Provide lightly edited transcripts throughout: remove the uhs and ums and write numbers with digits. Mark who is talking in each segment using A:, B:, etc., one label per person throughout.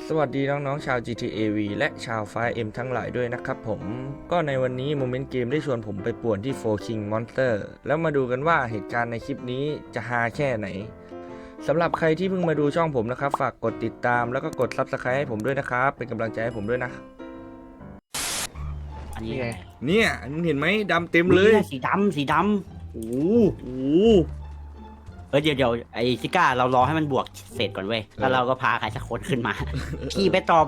A: สวัสดีน้องๆชาว GTA V และชาว 5M ทั้งหลายด้วยนะครับผมก็ในวันนี้โมเมนต์เกมได้ชวนผมไปป่วนที่ Four King Monster แล้วมาดูกันว่าเหตุการณ์ในคลิปนี้จะฮาแค่ไหนสำหรับใครที่เพิ่งมาดูช่องผมนะครับฝากกดติดตามแล้วก็กด Subscribe ให้ผมด้วยนะครับเป็นกำลังใจให้ผมด้วยนะ
B: อันนี้ไง
A: เนี่ยมึงเห็นไหมดำเต็มเลย
B: สีดำโอ้โหเดี๋ยวไอ้ซิก้าเรารอให้มันบวกเสร็จก่อนเว้ยแล้วเราก็พาใครสักคนขึ้นมาขี่ไปต่อ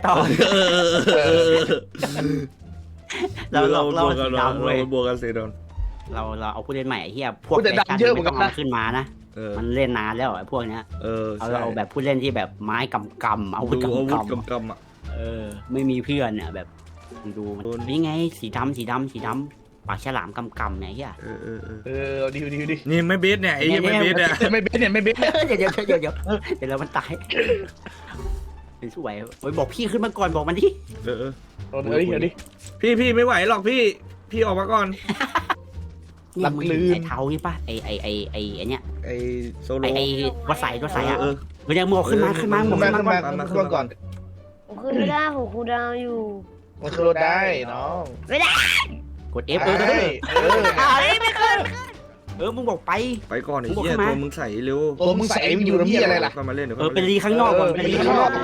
B: เราสีดำเว้ย
A: บวกกันสีด
B: เราเอาผู้เล่นใหม่ไอ้เหี้ยพวกแต่กันไม่ต้องมาขึ้นมานะมันเล่นนานแล้วไอ้พวกเนี้ยเอาแบบผู้เล่นที่แบบไม้กำอาวุธกำ
A: อ่ะ
B: ไม่มีเพื่อนเนี่ยแบบดูมันนี่ไงสีดำปากฉลามกำเนี่ยเฮีย
C: ดี
A: นี่ไม่เบสเนี่ยไอ้ยังไม่เบสเนี่ย
C: ไม่เบสเนี่ยไม่เบส
B: เดี๋ยวแล้วมันตายเป็นสวยโอ้ยบอกพี่ขึ้นมาก่อนบอกมันดิ
C: เดี๋ยวดิ
A: พี่ไม่ไหวหรอกพี่ออกมาก่อน
B: นี่มึงไอ้เท้านี่ป่ะไอ้เนี้ย
A: ไอ้โซโล
B: ไอ้วัดใส่อ่ะมันยังมึงขึ้นมาหมด
C: ขึ้นก่อน
D: ผมขึ้นไม่ได้ผมคูลดาวน์อยู่
C: มันขึ้นรถได้น้อง
D: ไม่ได้
B: กด F
D: ไม่ขึ้น
B: มึงบอกไป
A: ก่อนไอ้เหี้ยตัวมึงใส่เร็ว
C: ตัวมึงใส่มันอยู่ตรงนี้อะไรล่ะ
A: มาเล่น
B: เป็นรีข้างนอกก่อนเป็นรีข้างนอก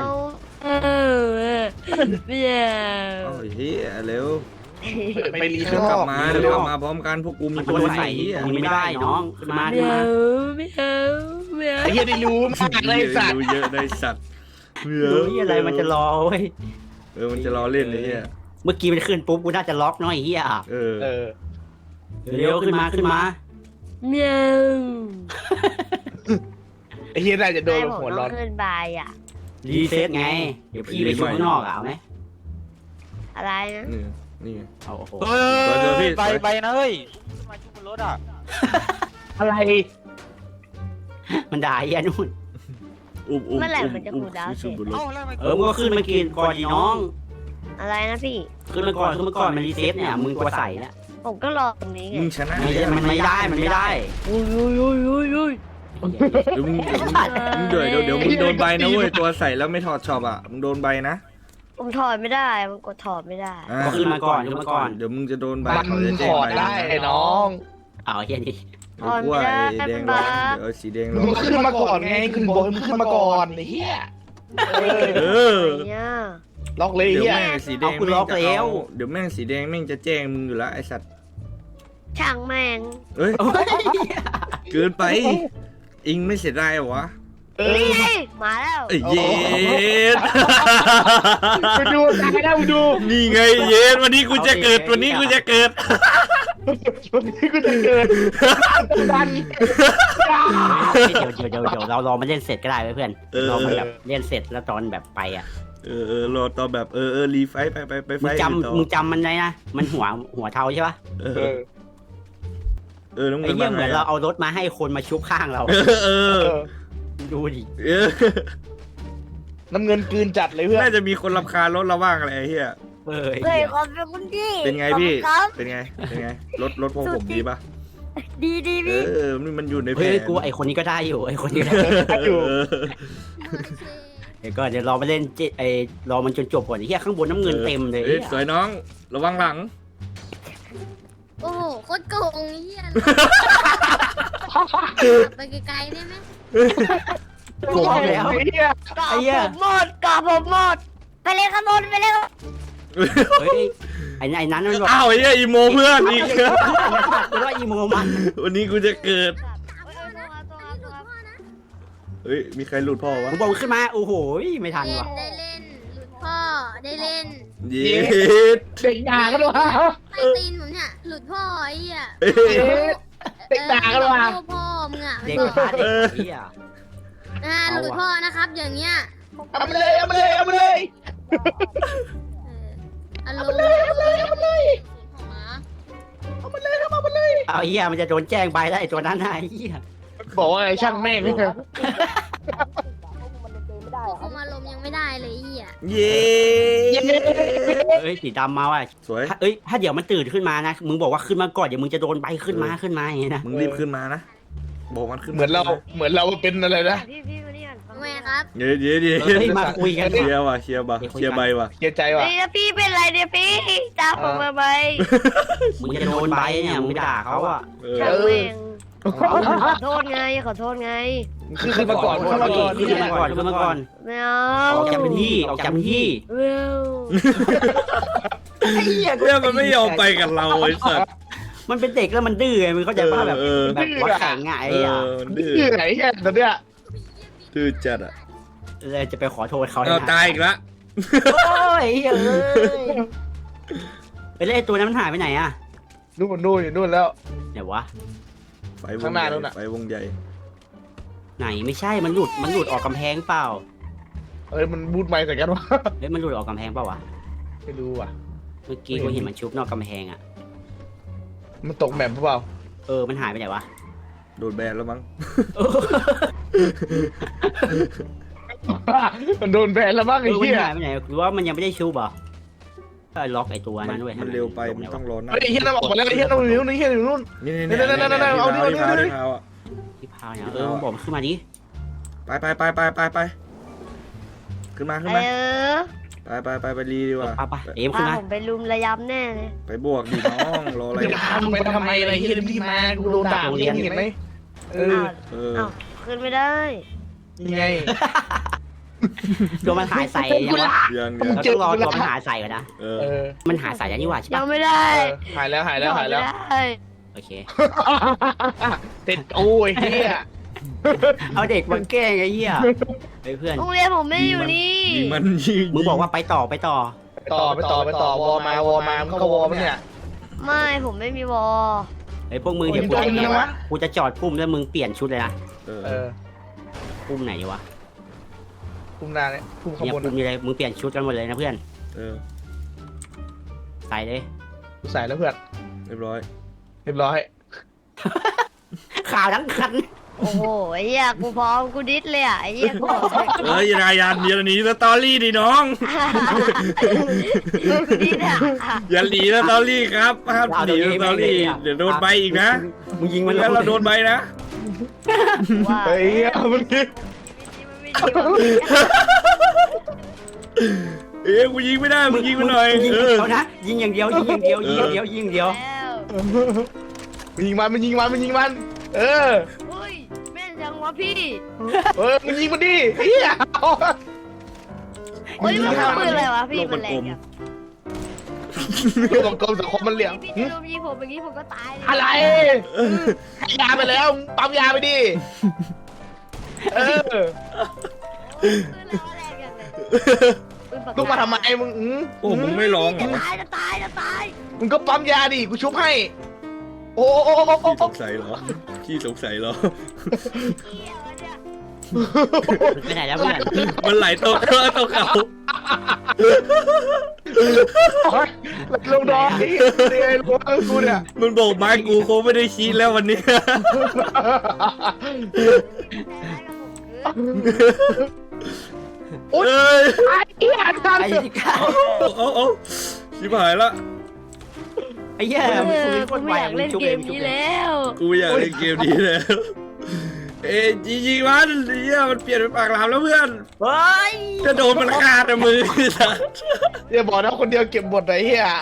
D: ไม่ได้
A: โอ้ยเหี้ยเร็ว
C: ไปรีข้างนอก
A: เดี๋ยวกลับมาพร้อมกันพวกกูมี
B: ตัวใส่ไม่ได้น้องขึ้นมา
D: ไม่เอา
C: ไอ้เหี้ยได้รู้มากเลยสัตว์
A: รู้เยอะได้สัตว์
B: นี่อะไรมันจะรอเว้ย
A: มันจะรอเล่นไอ้เหี้ย
B: เมื่อกี้มันขึ้นปุ๊บกูน่าจะล็อกน้อยเฮียเร็วขึ้นมา
D: เมียว
C: ไอ้เหี้ยน่าจะโดนหัวร้อน
D: ขึ้นบายอ่ะ
B: รีเซ็ตไงเดี๋ยวพี่ไปช่วยข้างนอกเอาไหม
D: อะไรนะ
A: นี่
B: เอาโอ้โห
E: ไปนะเฮ้ยมาชุบบนรถอ่ะ
C: อะไร
B: มันด่าไอ้นู่น
D: เมื่อไหร่มันจะคูลดาวน์เสร็จ
B: มึงก็ขึ้นมากินก่อนดีน้อง
D: อะไรนะพี่
B: ขึ้นมาก่อนมันรีเซ็ตเนี่ยมึงตัวใส่แล้ว
D: ผมก็รอตรงนี้ไง
A: มึงชนะ
B: มันไม่ได้
D: อุ้ย
A: เดี๋ยวมึงโดนใบนะเว้ยตัวใส่แล้วไม่ถอดช็อปอ่ะมึงโดนใบนะ
D: ผมถอดไม่ได้มันกดถอดไม่ได้
B: ก็ขึ้นมาก่อน
A: เดี๋ยวมึงจะโดนใบ
C: มันถอดได้น้อง
B: เอาเฮียนี่
D: ถอดไม่ได้
A: แดงร้อนเดี๋ยวสีแดงร้อน
C: มึงขึ้นมาก่อนไงขึ้นบนมึงขึ้นมาก่อนไอ้เหี้ยล็อกเลยเหี้ย
A: สีแดงคุณล็อกแล้วเดี๋ยวแม่งสีแดงแม่งจะแจ้งมึงอยู่แล้วไอสัตว์
D: ช่างแม่ง
A: เฮ้ยเกินไปอิงไม่เสียดายเหรอวะ
D: มาแล้ว
A: เย็น
C: ไปดูตายแล้วดู
A: นี่ไงเย็นวันนี้กูจะเกิด
C: วันนี้กูจะเกิด
B: ดันเดี๋ยวเรารอมาเล่นเสร็จก็ได้เพื่อนเราแบบเล่นเสร็จแล้วตอนแบบไปอ่ะ
A: รอตอนแบบรีไฟไปไฟ
B: มึงจำมันไงนะมันหัวเทาใช่ปะไอ้เหี้ยเหมือนเราเอารถมาให้คนมาชุบข้างเราดูดิ
C: น้ำเงินกืนจัดเลยเพื่อน
A: น่าจะมีคนรำคาญรถเราบ้างอะไรเฮีย
D: เฮ้ยขอบคุณพี่
A: เป็นไงพี่เป็นไงรถพวกผมดีปะ
D: ดีพี่
A: มันอยู่ในแผน
B: กูไอคนนี้ก็ได้อยู่ไอคนนี้ได้อยู่ก็เดี๋ยวรอไปเล่นรอมันจนจบก่อนไอ้เหี้ยข้างบนน้ำเงินเต็มเลย
A: สวยน้องระวังหลัง
F: โอ้โหโคตรโกงเหี้ยไปไกลๆได้ไหม
B: โกงแล้ว
D: ไอ้เหี้ยกาผมหมดไปเลยครับไปเลย
B: เฮ้ยไอ้นั้นมันบอก
A: อ้าวไอ้เหี้ยอีโมเพื่อนอีก
B: ว่าอีโมมัน
A: วันนี้กูจะเกิดเฮ้ยมีใครหลุดพ่อวะ
B: ผมบอกขึ้นมาโอ้โหไม่ทันว่ะ
F: ได้เล่นหลุดพ่อได้เล่น
A: เย็ด
C: เด็กด่ากันวะ
F: ไอตีนผมเนี่ยหลุดพ่อไอ้เหี้ย
C: เด็กด่ากันวะ
F: พ่อมึงอ่ะ
B: เด็กพาเด็กเหี้ย
F: หลุดพ่อนะครับอย่างเงี้ย
C: เอามาเลยเอามาเลยเอามาเลย
F: เอามาเลยเอามาเลยเอามาเลย
C: เอามาเลยเอามาเลย
B: เอาเหี้ยมันจะโดนแจ้งใบได้ตัวนั้นไอ้เหี้ย
C: บอกว่าไอ้ช่างแม่งนี่
F: คุมอารมณ์ยังไม่ได้เลยเหี้ย
A: เย้
B: สีดำมาว่ะ
A: สวย
B: ถ้าเดี๋ยวมันตื่นขึ้นมานะมึงบอกว่าขึ้นมาก่อนเดี๋ยวมึงจะโดนใบขึ้นมาอย่างนี้นะ
A: มึงรีบขึ้นมานะบอกมันขึ้น
C: เหมือนเราเป็นอะไรนะ
F: ไมครับ
A: เดี๋ยว
B: เฮ้ยมาคุยกัน
A: เคลียร์ว่ะเคลียร์ใบว่ะ
C: เสียใจว่ะ
D: เฮ้ยแล้วพี่เป็นไรเนี่ยพี่จ้าผมมาไหม
B: มึงจะโดนใบเนี่ยมึงด่าเขาอ่ะ
D: ช่างแม่งขอโทษไงขอโทษไง
C: คือมาก่อนมาก่อน
B: ขึ้นมาก่อนขึ้นมาก่อน
D: ไม่เอา
B: ออกจากพื้นที่ออกจากพื้นที่
D: เร็ว
B: ไอ้เหี้ย
A: เรื่องมันไม่ยอมไปกับเราไอ้สัตว์
B: มันเป็นเด็กแล้วมันดื้อไงมึงเข้าใจป่ะแบบ
A: เออ
B: แบบว่าแข็งไงไอ้อ่ะ
A: มันดื้อ
C: ชื่อไหนแค่ตอนเนี้ย
A: ดื้อจัดอ่ะ
B: เลยจะไปขอโทษเขา
A: เอาตายอีกละ
B: โอ้ยเฮ้ยไปเล่นไอ้ตัวนั้นมันหายไปไหนอ่ะ
C: นู่นอยู่นู่นแล้ว
B: เดี๋ยววะ
A: ไฟว
C: ข้าง งห
A: ให
C: น้า
A: ญ่
C: นู่นน่ะ
A: ไฟวงใหญ่
B: ไหนไม่ใช่มันหลุดออกกำแพงเปล่า
C: มันบูทไม้ใส่กันวะ
B: เฮ้ยมันหลุดออกกำแพงเปล่าวะ
C: ไม่รู้ว่ะ
B: เมื่อกี้กูเห็นมันชุบนอกกำแพงอ่ะ
C: มันตกแมปหรือเปล่า
B: มันหายไปไหนวะ
A: โดนแบนแล้วมั้ง
C: มันโดนแบนแล้วบ้างไอ้
B: มัน
C: เหี้ย
B: หายไปไหนหรือว่ามันยังไม่ได้ชุบเหรอล็อกไอ้ตัวนั้นด้วย
A: มันเร็วไปมันต้องรอหน้า
C: ไอ้เหี้ยนั่นออกมาแล้วไอ้เหี้ยนั่นอยู่นู่นไอ้เหี้ยอยู่นู่น
A: นี่
C: นั่นเอาดิ
A: ที่เท้าอ่ะ
B: ที่พาวเนี่ยมึงบอกมันขึ้นมาดิ
A: ไปขึ้นมา ไปรีดีกว่า
B: ไปเอ็มขึ้น
D: พา
B: มา
D: ผมไปลุมระยำแน่เลย
A: ไปบวกดิน้องรออะไร
C: จะพามึงไปทำไมอะไรเหี้ยรีบมากูโดนด่ามึงเห็นไหมเออ
D: อ้าวขึ้นไม่ได้
C: ยังไง
B: โดนมันหายใส่ยังวะ
A: ยัง
B: เราต้องรอตัวมันหายใส่ก่อนนะ
A: เอ
C: เอ
A: อ
C: อ
B: มันหายใส่แล้วนี่หว่าใช่
D: ยั
B: ปะ
D: งไม่ได้
C: หายแล้ว
D: ไม่ได้
B: โอเค
C: ติดโอ้ยเหี้ย
B: เอาเด็กมาแกล้งไอ้เหี้ยไปเพื่อน
D: โรงเรียนผมไม่อยู่นี่
A: ยิงมันยิง
B: มึงบอกว่าไปต่อ
C: ไปต่อวอมามึงเข้าวอมั้เนี่ย
D: ไม่ผมไม่มีวอ
B: ไอ้พวกมึงเดี๋ยวกูจะจอดปุ่มแล้วมึงเปลี่ยนชุดเลยนะ
A: เออ
C: เออ
B: ปุ่มไหนดีวะ
C: คุมนาเนี่ยคุมข
B: เนี่ย
C: บวน
B: ปุ่มนี้เลยมึงเปลี่ยนชุดกันหมดเลยนะเพื่อน
A: เออ
B: ใส่เลย
C: ใส่แล้วเพื่อน
A: เรียบร้อย
C: เรียบร้อย
B: ข่าวทั้งคัน
D: โอ้โหไอ้เหี้ยกูพร้อมกูดิสเลยอ่ะไอ้เหี้ยกูบอกเลย
A: เอ้ยรายยานเดี๋ยวหนีสตอรี่ดิน้อง
D: กูดิสอ่ะ
A: อย่าหนีสตอรี่ครับห้ามหนีสตอรี่เดี๋ยวโดนใบอีกนะ
B: มึงยิงมัน
A: แล้วเราโดนใบนะ
D: ว่า
C: เฮ้ยมันนี่
A: เอ้ยกูยิงไม่ได้มึงยิงมันหน่อย
B: ยิง
A: เออ
B: เขานะยิงอย่างเดียวยิงอย่างเดียวยิงอย่างเดียวยิงอย่างเดียว
D: แล้ว
C: มันยิงมันเออ
D: เฮ้ยแม่นจังวะพี่
C: มันยิงมันดิเฮีย
D: เฮ้ยมันทำปืนอะไรวะพี่มันแรงจัง
C: กลมกลมสังคมมันเหลี่ยม
D: พี่จะลุมยิงผมอย่างนี้ผมก็ตายเลย
C: อะไรให้ยาไปแล้วปั๊มยาไปดิเออ
D: ปืนอะไรวะแรงจังเลยปืนปากก
C: ลูกมาทำไมมึง
A: โอ้มึงไม่ร้องเหรอ
D: จะตาย
C: มึงก็ปั๊มยาดิกูชุบให้โอ้
A: ขี้สงสัยเหรอขี้สงสัยเหรอ
D: เหี้ยวะเนี่ย
B: ไปไหนแล้วเพื่อน
A: มันไหลตกเขา
C: ลงดอกนี่ไอ้ลูกกูเนี่ย
A: มันโบกไม้กูคงไม่ได้ชี้แล้ววันนี้
C: โอ้ย
A: เอ้ย
C: ไอ้เหี้ยทัน
B: ไอ้ที่ก้า
A: เอาชิบหายละ
B: ไอ้เหี้ย
D: กูไม่อยากเล่นเกมนี้แล้ว
A: กูอยากเล่นเกมนี้แล้ว เอ้ยยิงมันเฮียมันเปลี่ยนเป็นปากหลามแล้วเพื่อน
B: เฮ้ย
A: จะโดนมันขาดอะมือสัส
C: อย่าบอกนะคนเดียวเก็บบทไอ้เหี้ย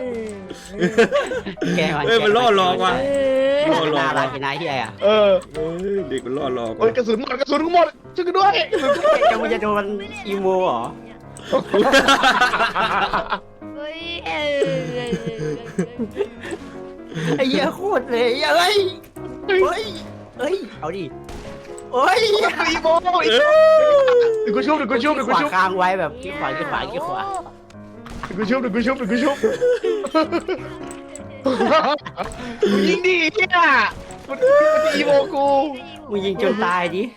B: แก
A: เอ้ยมันล่อหลอกว่ะ
B: น่ารักกินนายเหี้ยอ่ะ
C: เออ
A: เอ้ยเด็กมันล่อหลอก
C: โอ้ยกระสุนหมดช่วยกันด้วยกระสุนหมด
B: จะมึงจะโดนอีโมเหรอ
D: เฮ้ย
B: ไอ้เหี้ยโคตรเลยเฮ้ยเอาดิโอ้ย
C: อีโมอีเดี๋ยวกูชุบ
B: ขวาค้างไว้แบบขี้ขวาขี้ขวาขี้ขวา
C: กูชุบยิงดิเฮียมันอีโมกู
B: มึงยิงจนตายดิ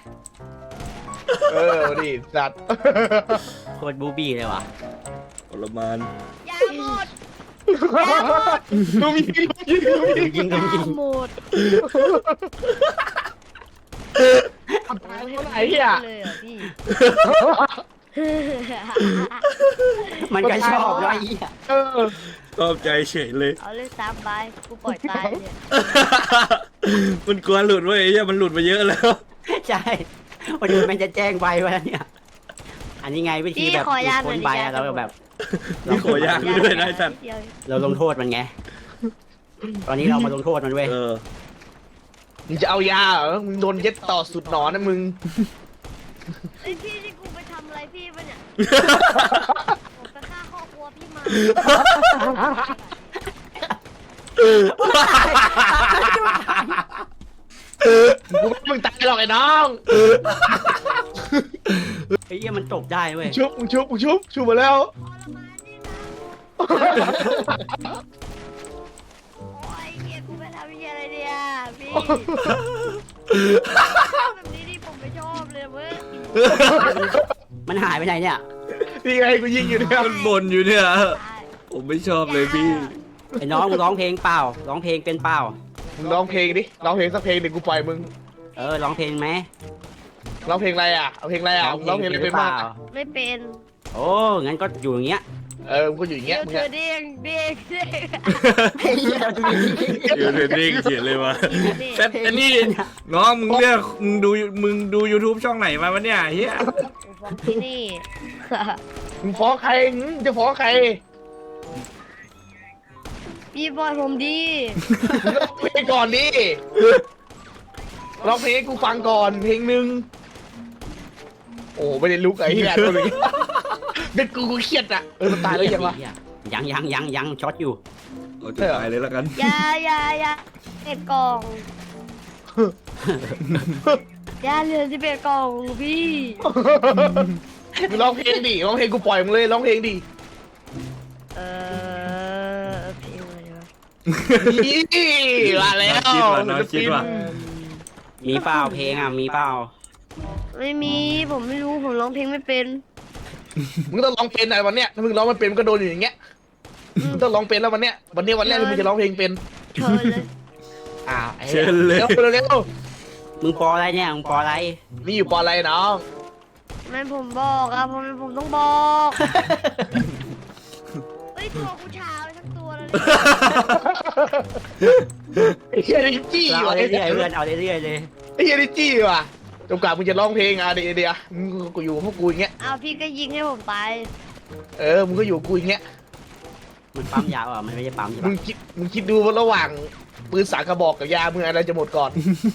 C: ดิสัตว์
B: โคตรบูบี้เลยว่ะ
A: ทรมาน
D: ยาหมด
C: มึงยิง
B: ยิง
D: หมด
C: ไอ้เหี้ย
D: เลยอ่ะพี่
B: มันก็ชอบแล้วไอ้เหี้ย
A: ชอบใจเฉยเลย
D: เอาเลยซ้ำไปกูปล่อยตายเนี่ย
A: มันกลัวหลุดเว้ยไอ้เหี้ยมันหลุดมาเยอะแล้ว
B: ใช่วันนี้มันจะแจ้งใบไว้แล้วเนี่ย อันนี้ไงวิธี
D: พี่
B: แบบ
D: ขอยาหน่
B: ค
D: อย
B: น
D: ดิ
B: ใบ
D: ยา
B: อะเราแบบ
A: นี่ขอยากด้วยนะไอ้สัตว์
D: เดียว
B: เราลงโทษมันไง ตอนนี้เรามาลงโทษมันเว้ย
C: มึงจะเอายาเหรอมึงโดนเย็ดต่อสุดหนอนนะมึง
D: ไอ้พี่ที่กูไปทำอะไรพี่ปะเนี่ยผมไปฆ่าครอบครัวพี่มา
C: กูไม่ให้มึงตายหรอกไอ้น้อง
B: ไอ้เหี้ยมันตกได้เว้ย
C: ชุบมาแล้ว
D: โอ้ยเกียกูไปทำเหี้ยอะไรเนี่ยพี่แบบนี้นี่ผมไม่ชอบเลยเว้ย
B: มันหายไปไหนเนี่ย
C: นี่ไงกูยิงอยู่เนี่ย
A: มันบ่นอยู่เนี่ย ผมไม่ชอบเลยพี่
B: ไอ้น้องมึงร้องเพลงเปล่า ร้องเพลงเป็นเปล่า
C: มึงร้องเพลงดิร้องเพลงสักเพลงหนึ่งกูปล่อยมึง
B: ร้องเพลงไหม
C: ร้องเพลงอะไรอ่ะเอาเพลงอะไรอ่ะร้องเพลงอะไรเป็นบ้างอะ
D: ไม่เป็น
B: โอ้งั้นก็อยู่อย่างเงี้ย
C: มึงก็อยู่อย่างเงี้
D: เดี๋
C: ย
D: ยว
C: มึง
D: เธอ
C: อะ
D: เด้ง
A: อยู่เทรนนิ่งเขียนเลยวะแต่อันนี้น้องมึงเรียกมึงดู YouTube ช่องไหนมาวะเนี่ยเฮีย
D: ฟ้องที่นี่
C: มึงฟ้องใครจะฟ้องใคร
D: พี่บอยผมดี
C: มึงร้องเพลงก่อนดิร้องเพลงให้กูฟังก่อนเพลงหนึ่งโอ้ไม่ได้ลุกไอ้เหี้ยตัวนี้เป็นกูเครียดอ่ะมันตายแล้วยังวะ
B: ยังช็อตอยู่
A: เอาจะตายเลยแล้วกัน
D: ยายาเอ็ดกล่องยาเหลือ11กล่องพี่
C: มึงร้องเพลงดิร้องเพลงกูปล่อยมึงเลยร้องเพลงดิ
D: เพลงอะไรวะ
C: นี่มาแล้ว
A: น้องคิดว่ะ
B: มีเปล่าเพลงอ่ะ มีเปล่า
D: ไม่มีผมไม่รู้ผมร้องเพลงไม่เป็น
C: มึงต้องร้องเป็นอะไรวันเนี้ยถ้ามึงร้องไม่เป็นมึงก็โดนอยู่อย่างเงี้ยมึงต้องร้องเป็นแล้ววันเนี้ยวันแรกที่มึงจะร้องเพลงเป็น
D: เชิญเลย
A: เชิญเลย
C: เร็วเร็ว
B: มึงปออะไรเนี่ย มึงปออะไร
C: นี่อยู่ปออะไรน้อง
D: ไม่ผมบอกอะผมต้องบอกเฮ้ยตัวกูชาไปทั้งตัวแล้วเนี่ย
C: ไอ้เฮียนี่จี้
B: เรา
C: ว่ะ
B: เอาเรื่อยๆเพื่อนเอาเรื่อยๆเลย
C: ไอ้เฮียนี่จี้ว่ะจนกว่ามึงจะร้องเพลงอ่ะเดี๋ยวมึงก็อยู่กับพวกกูอย่างเงี้ย
D: เอาพี่ก็ยิงให้ผมตาย
C: มึงก็อยู่กับกูอย่างเงี้ย
B: มันปั๊มยาวอ่ะ มันไม่ใช่ปั๊มใช่
C: มึ
B: ปะ
C: งคิดดูว่าระหว่างปืนสากกระบอกกับยามึงอะไรจะหมดก่อน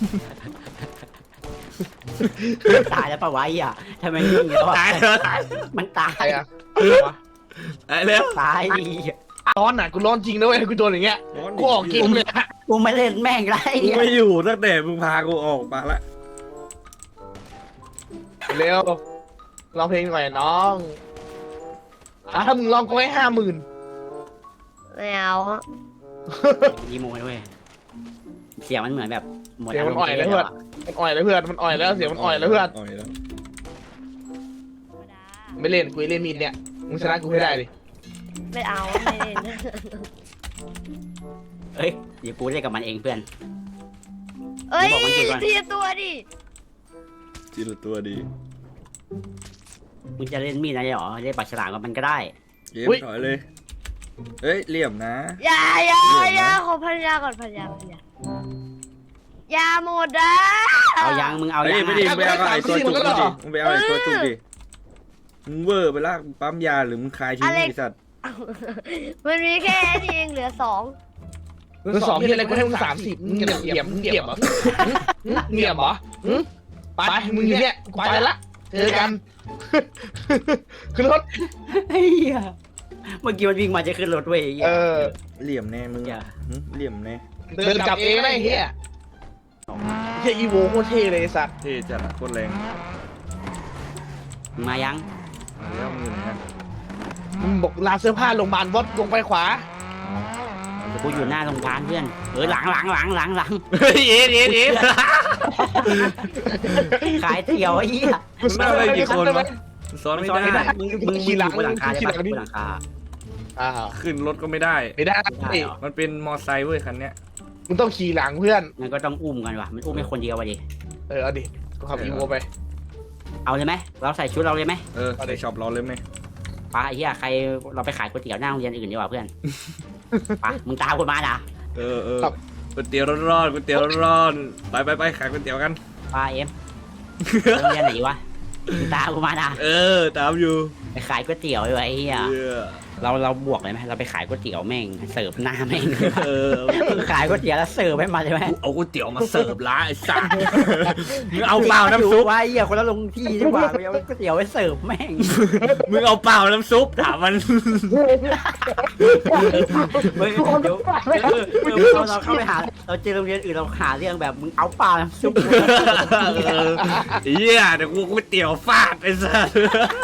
B: ตายแล้วปะวะไอ่ะทำไมนิ่งแล้ว
A: ตาย
B: อ่ะ
A: แล้วตาย
B: มันตา
C: ใคร
B: ย
C: อ่ะ
A: ตายแล้ว
B: ตายดิ
C: ร้อนอ่ะกูร้อนจริงนะเว้ยกูโดนอย่างเงี้ยกูออกเกมเลยอะ
B: กูไม่เล่นแม่งไร
A: กูไม่อยู่ตั้งแต่มึงพากูออกมาละ
C: เร็วร้องเพลงหน่อยน้องถ้ามึงร้องกูให้50,000
D: ไม่เอาอะ
B: ยีโมด้วยเสียงมันเหมือนแบบหมด
C: เสียง
B: อา
C: มั
B: ร
C: น
B: ม
C: อ่อย
B: ณ์
C: แล้ว
B: เพื่
C: เพื่อน นมันอ่อยแล้วเพื่อนมันอ่อยแล้วเสียงมันอ่อยแล้วเพื่อน
A: อ่อยแล้ว
C: ไม่เล่นกูเล่นมีดเนี่ยมึงชนะกูให้ได้ดิ
D: ไม่เอาไม่เล่น
B: เฮ้ยเดี๋ยวกูเล่นกับมันเองเพื่อน
D: เอ้ย
B: บอกมันจริงก่อน
D: ทีละตัวดิ
A: ทีละตัวดี
B: มึงจะเล่นมีดอะไรหรอเล่นปากฉลามกับมันก็ได้
A: เกมถอยเลย เฮ้ยเหลี่ยมนะ
D: อย่าขอพันยาก่อนพันยายาหมดอ่ะ
B: เอายังมึงเอา
A: เฮ้
B: ยั
A: ย
B: ง
A: ไม่ดีมึงไปเอาไอ้ตัวจุกดิมึงไปเอาไอ้ตัวจุกดิมึงเวอร์ไปละปั๊มยาหรือมึงคายทิ้งไอ้สัตว์
D: มันมีแค่นี้เองเหลือ2
C: มึงสองที่อะไรกูให้มึง30มึงเหลี่ยมเหรอเหลี่ยมเหรอไปมึงอยู่เนี่ยกูไปละเจอกันขึ้นรถ
B: เฮ้ยเมื่อกี้มันวิ่งมาจะขึ้นรถเว้ย
A: เหลี่ยมแน่มึง
B: อย่า
A: เหลี่ยมแน่
C: เดินกลับเองได้เฮียเฮียอีโวโคตรเท่เลยไอ้สัตว์
A: เท่จัดโคตรแรง
B: มึงมายัง
A: มาแล้วมึงอยู่ไหนกัน
C: มึงบอกลานเสื้อผ้าโรงพยาบาลวัดลงไปขวา
B: กูอยู่หน้าโรงพยาบาลเพื่อนหลัง
A: เฮ้ยเอ็ด
B: ขายเตี๋ยวไอ้เหี้ย
A: มึงนั่งอะไรกี่คนวะซ้อนไม่ได้
B: มึงขี่หลังบนหลังคาได้ปะบนหลังคา
C: อ้าว
A: ขึ้นรถก็ไม่ได้
C: ไม่ได้
B: ได้เหรอ
A: มันเป็นมอไซค์เว้ยคันเนี้ย
C: มึงต้องขี่หลังเพื่อน
B: งั้นก็ต้องอุ้มกันว่ะมันอุ้มไม่คนเดียวว่ะดิ
C: เอาดิก็ขับอีโวไป
B: เอาเลยไหมเราใส่ชุดเราเลยไหม
A: ในช็อปเราเลยไหม
B: ป้าไอ้เหี้ยใครเราไปขายก๋วยเตี๋ยวหน้าโรงเรียนอื่นดีกว่าเพื่อนป้ามึงตามกูมาด่ะ
A: ก๋วยเตี๋ยวร้อนๆก๋วยเตี๋ยวร้อนๆไปขายก๋วยเตี๋ยวกัน
B: ป้าเอ็มโรงเรียนไหนวะมึงตามกูมานะ
A: ตามอยู่
B: ไปขายก๋วยเตี๋ยวไอ้เหี้ยเราบวกเลยไหมเราไปขายก๋วยเตี๋ยวแม่งเสิร์ฟหน้าแม่งมึงขายก๋วยเตี๋ยวแล้วเสิร์ฟให้มาใช่ไหม
A: เอาก๋วยเตี๋ยวมาเสิร์ฟร้านไอ้สัสมึงเอาเปล่าน้ำซุป
B: ไว้เหี้ยคนละลงที่ดีกว่าไปเอาก๋วยเตี๋ยวไปเสิร์ฟแม่ง
A: มึงเอาเปล่าน้ำซุปถามมัน
B: เฮ้ยเดี๋ยวเราเข้าไปหาเราเจอโรงเรียนอื่นเราหาเรื่องแบบมึงเอาเปล่าน้ำซุป
A: เหี้ยเดี๋ยวกูก๋วยเตี๋ยวฟาดไอ้สัส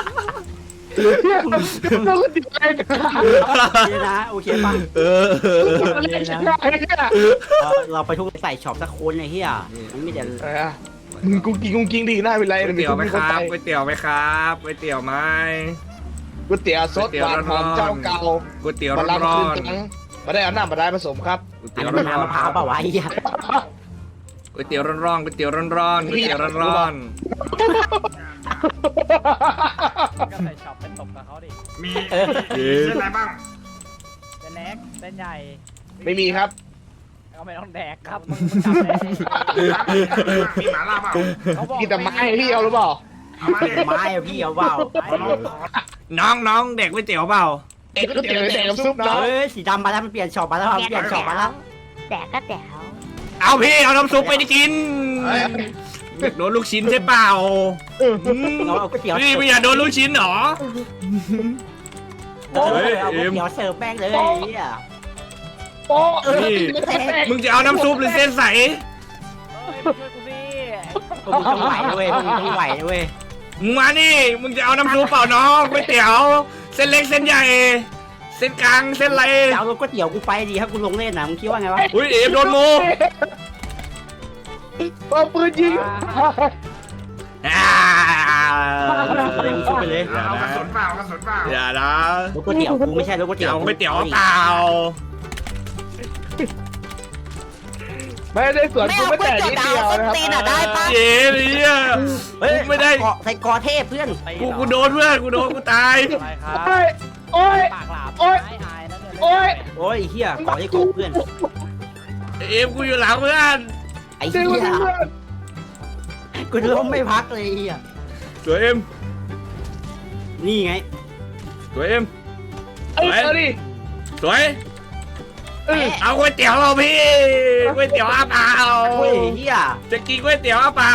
C: ต้องก็ติดใจกัน
B: เนี่ยนะโอเคป่ะ
C: เลยนะ
B: เราไปทุกใส่ช็อปสักคนไอ้เหี้ยมันไม่เดี๋ยว
C: มึงกุ้งกิ้งดีหน้าเป็นไร
A: ก๋วยเตี๋ยวไหมครับก๋วยเตี๋ยวไหมครับก๋วยเตี๋ยวไหม
C: ก๋วยเตี๋ยวสดหวานหอมเจ้าเก่า
A: ก๋วยเตี๋ยว
C: มา
A: ร้
C: ลัง
A: อ
C: คืน
A: น
C: จังมาได้เอาน้ำมาได้ผสมครับ
A: ๆก๋วย
B: อัน
A: เตี๋ยว
B: นั้น
A: ร้
B: มัน
A: อน
B: น้ำมะพร้าวเปล่าวะไอ้เหี้ย
A: ๆก๋วยเตี๋ยวร้อนๆก๋วยเตี๋ยวร้อนๆก๋วยเตี๋ยวร้อน
E: ก็ใส่ช็อปไปตบกับเขาดิ
A: ๆมีเส้นอะไรบ้าง
E: เส้นเล็กเส้นใหญ่
C: ไม่มีครับ
E: ก็ไม่ต้องแดกครับมึงจำได้
A: มีหมาล่าเปล่า
E: เขาบอก
C: กินแต่ไม้พี่เอาหรือเปล่า
B: ไม้อะพี่เอาเปล่า
A: น้องเด็กก๋วยเตี๋ยวเปล่า
C: เด็กก็เตี๋ยวเด็กกับซุปเนาะ
B: เฮ้ยสีดำมาแล้วมันเปลี่ยนช็อปมาแล้วเปลี่ยนช็อปมาแล้ว
D: แต่ก็แต่ว
A: เอาพี่เอาน้ำซุปไปได้กินโดนลูกชิ้นใช่เปล่า
B: เราเอาก๋วยเตี๋ยว
A: พี่ไม่อยากโดนลูกชิ้นหรอ
B: เอาก๋วยเตี๋ยวเสิร์ฟแม่งเลยไอ้เหี้ย
C: โป๊ะ
A: นี่มึงจะเอาน้ำซุปหรือเส้นใส
E: ช่วยกูสิ
B: พวกมึงต้องไหวนะเว้ยพวกมึงต้องไหวนะเว้ย
A: มึงมานี่มึงจะเอาน้ำซุปเปล่าน้องก๋วยเตี๋ยวเส้นเล็กเส้นใหญ่เส้นกลางเส้นอะไร
B: จะเอาก๋วยเตี๋ยวกูไปดีถ้ากูลงเล่นนะมึงคิดว่าไงวะ
A: อุ้ยเอฟโดนงู
C: เอาปืนยิง
A: อ่า
B: ชุบไปเลย
A: เอากระสุนเปล่ากระสุนเปล่าอย่านะ
B: รถก๋วยเตี๋ยวกูไม่ใช่รถก๋วยเตี๋ยว
A: เอาก๋วยเตี๋ยวเปล่า
C: ไม่ได้สวนกูไม่แต่นิดเดียวนะครับ
A: เย้เนี่ย
B: เฮ้ย
A: ไม่ได้
B: ใส่กอเทพเพื่อน
A: กูโดนเพื่อนกูโดนกูตาย
E: อะไรครับ
C: โอ้ยโอ้ย
E: ปากหลาบ
C: โอ๊ย
E: ไอายแล้วเนี่ย
C: โอ้ย
B: โอ้ยเฮียกอที่กบเพื่อน
A: เอฟกูอยู่หลังเพื่อน
B: ไอ้
C: เดี๋
B: เฮี
C: ยวย
B: กูล้มไม่พักเลยเฮีย
A: สวยเอ็ม
B: นี่ไง
A: สวยเอ็ม
C: เอาดิ
A: สวยเอาก๋วยเตี๋ยวเราพี่ก๋วยเตี๋ยวอาเปล่า
B: เฮ้ยเฮีย
A: จะกินก๋วยเตี๋ยวอาเปล่า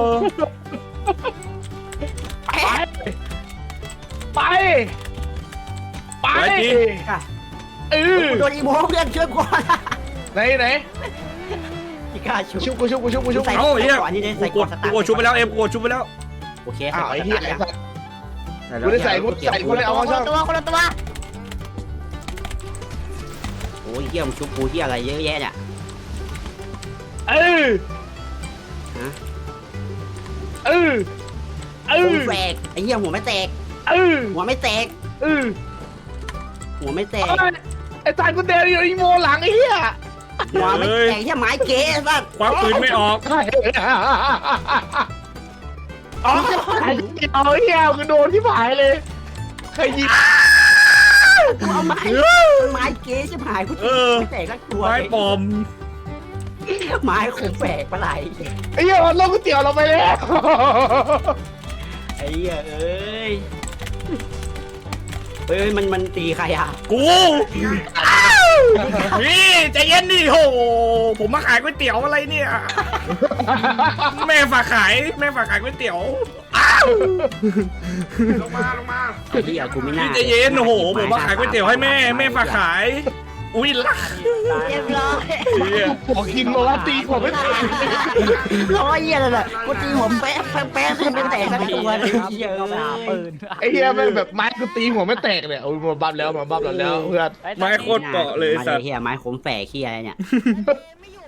C: ไปไปเออ
B: โดนอีโมเพื่อนช่วยกู
C: ไหน
B: พี่กล้าชุบ
C: ชุบกูชุบ
B: ใส่
A: เอาเฮีย
B: ก่อนนี่เลยใส่
A: กู
B: ก่อนสตาร์ท
A: ชุบไปแล้วเอ็มกูชุบไปแล้ว
B: โอเค
C: อ้าว
B: ใส่
C: ไอ้
B: ก่อน
C: เหี้ย
B: สตาร์ท
C: กูได้ใส่กูเลยเอาเข้าช่อง
D: คนละตัว
B: โอ้ยเฮียมึงชุบกูเฮียอะไรเยอะแยะเนี่ย
C: เออ
B: หัวแตกไอ้เฮียหัวไม่แตกหัวไม่แตกหัวไม่แตก
C: ไอ้ตายกูเดินอยู่อีโมหลังไอ้เหี้ย
B: หัวไม่แตกเฮียไม้เก๋สัส
A: ควักปืนไม่ออก
C: อ๋อเอาเหี้ยกูโดนที่ผายเลยใครยิง
B: กูเอาไม้เก๋ใช่ไหมกูไม่แตกสักตัว
A: ไม้ปอม
B: ไม้คงแปลกปะไหล
C: ไอ้เหี้ยมันลงก๋วยเตี๋ยวเราไปแล้ว
B: ไอ้เหี้ยเอ้ยเฮ้ยมันตีใครอ่ะ
A: กูนี่ใจเย็นดิโหผมมาขายก๋วยเตี๋ยวอะไรเนี่ย แม่ฝากขายก๋วยเตี๋ยวลงมา
B: ไอ้เหี้ยกูไม่น่า
A: ใจเย็นโอ้โหผมมาขายก๋วยเตี๋ยวให้แม่ฝากขายอุ้ยลัก
D: เรียบร้อย
C: ขอกินมาว่าตีขอไม่ตี
B: ร้อยเหี้ยเลยแหละกูตีหัวแป๊ะเป็นแตกสักตัวเลยเหี้ย
E: ก็ไปหาปืน
C: ไอ้เหี้ยแม่งแบบไม้กูตีหัวไม่แตกเนี่ยโอ้ยมาบับแล้วเพื่อน
A: ไม้โคตรเกาะเลยสัตว์
B: เหี้ยไม้ขมแฝกเหี้ยอะไรเนี่ย
D: ไม่อยู่